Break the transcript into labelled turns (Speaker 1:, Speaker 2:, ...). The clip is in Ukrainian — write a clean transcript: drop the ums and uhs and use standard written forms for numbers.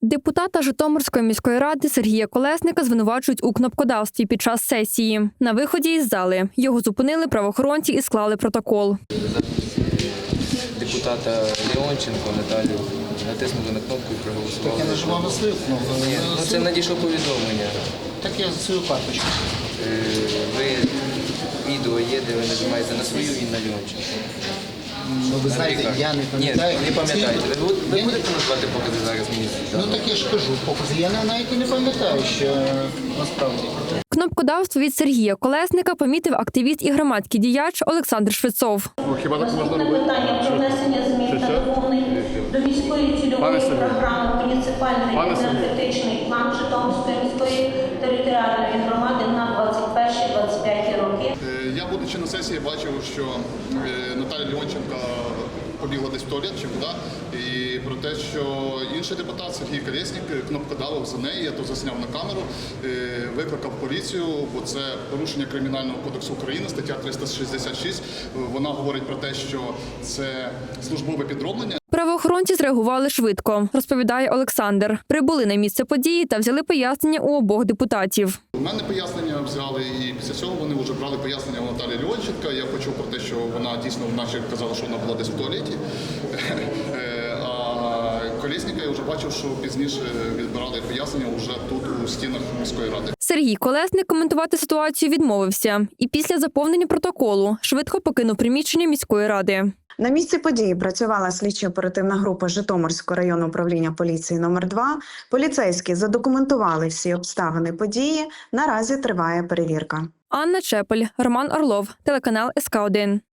Speaker 1: Депутата Житомирської міської ради Сергія Колесника звинувачують у кнопкодавстві під час сесії. На виході із зали його зупинили правоохоронці і склали протокол.
Speaker 2: Депутата Леонченко Наталію натиснули на кнопку і проголосували.
Speaker 3: Так я нажимав на свою кнопку.
Speaker 2: Ні, це надійшло повідомлення.
Speaker 3: Так я за свою карточку.
Speaker 2: Ви відео є, де ви нажимаєте на свою і на Леонченко.
Speaker 3: Ну, ви знаєте, я не пам'ятаю.
Speaker 2: Ні, не пам'ятаєте. Ви будете назвати покази зараз мені?
Speaker 3: Ну так я ж кажу, покази. Я навіть і не пам'ятаю, що насправді.
Speaker 1: Кнопкодавство від Сергія Колесника помітив активіст і громадський діяч Олександр Швецов.
Speaker 4: Хіба так можна
Speaker 5: Наступне
Speaker 4: робити?
Speaker 5: питання про внесення змін та доповнень до міської цільової програми «Муніципальний енергетичний план Житомирської міської територіальної громади на 21-25 роки».
Speaker 4: Я, будучи на сесії, бачив, що Наталя Леонченка побігла десь в туалет чи куди, і про те, що інший депутат Сергій Колєснік кнопкодавив за неї, я то засняв на камеру, викликав поліцію, бо це порушення Кримінального кодексу України, стаття 366. Вона говорить про те, що це службове підроблення.
Speaker 1: Правоохоронці зреагували швидко, розповідає Олександр. Прибули на місце події та взяли пояснення у обох депутатів.
Speaker 4: У мене пояснення взяли, і після цього вони вже брали пояснення у Наталі Леонченка. Я почув про те, що вона дійсно вначе казала, що вона була десь в туалеті. А Колєсника я вже бачив, що пізніше відбирали пояснення вже тут, у стінах міської ради.
Speaker 1: Сергій Колесник коментувати ситуацію відмовився і після заповнення протоколу швидко покинув приміщення міської ради.
Speaker 6: На місці події працювала слідчо-оперативна група Житомирського районного управління поліції номер 2. Поліцейські задокументували всі обставини події. Наразі триває перевірка.
Speaker 1: Анна Чепель, Роман Орлов, телеканал СК1.